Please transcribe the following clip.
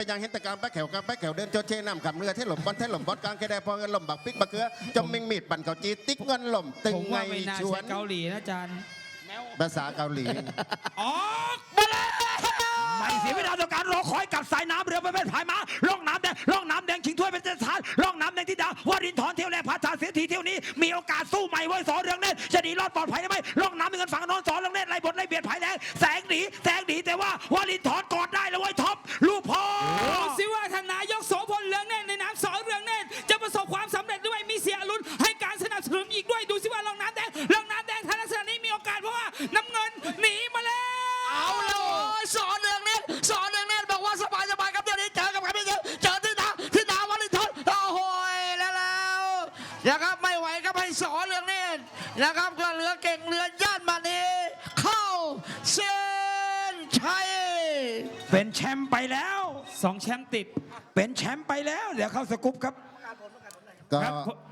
ยังเห็นแต่การแป๊กแขวการแป๊กแขวเดินโจเชน้ำขับเรือเทหล่มบอลเทหล่มบอลกลางแค่ได้พอเงินหล่มบักปิกบักเกลือจมมิงมีดปั่นเกาจีติ๊กเงินหล่มตึงผมไงว่าไม่น่าชวใช่นเกาหลีนะอาจารย์ภาษาเกาหลีออกมาเลยไม่เสียเวลาต่อการรอคอยกับสายน้ำเรือประเภทพายม้าล่องน้ำแดงล่องน้ำแดงชิงถ้วยเป็นเจ้าฐานล่องน้ำแดงที่ดาววารินทร์เที่ยวแรกพาชาเสียทีเที่ยวนี้มีโอกาสสู้ใหม่ไว้สอเรืองเนตรจะหนีรอดปลอดภัยได้ไหมล่องน้ำมีเงินฝั่งนอนสอเรืองเนตรไล่บทไล่เบียดภายแรงแสงหนีแต่ว่าวารินทร์กอดได้แล้วไว้ท็อปลูกพ่อดูสิว่าท่านนายกโสพลเรืองเนตรในนามสอเรืองเนตรจะประสบความสำเร็จหรือไม่มีเสียอรุณให้การสนับสนุนอีกด้วยดูสิว่าลองน้ำแดงทางลักษณะนี้มีโอกาสเพราะว่าน้ำเงินหนีมาแล้วเอาแล้วโอ้ยสอนเรืองเนตรบอกว่าสบายครับเดี๋ยวนี้เจอกับใครไม่เจอที่ดาววลินทร์โอ้โหแล้วนะครับไม่ไหวครับให้สอนเรืองเนตรนะครับก็เรือเก่งเรือย่านมานีเข้าเส้นชัยเป็นแชมป์ไปแล้ว 2 แชมป์ติดเป็นแชมป์ไปแล้วเดี๋ยวเข้าสกุปครับก็ครับ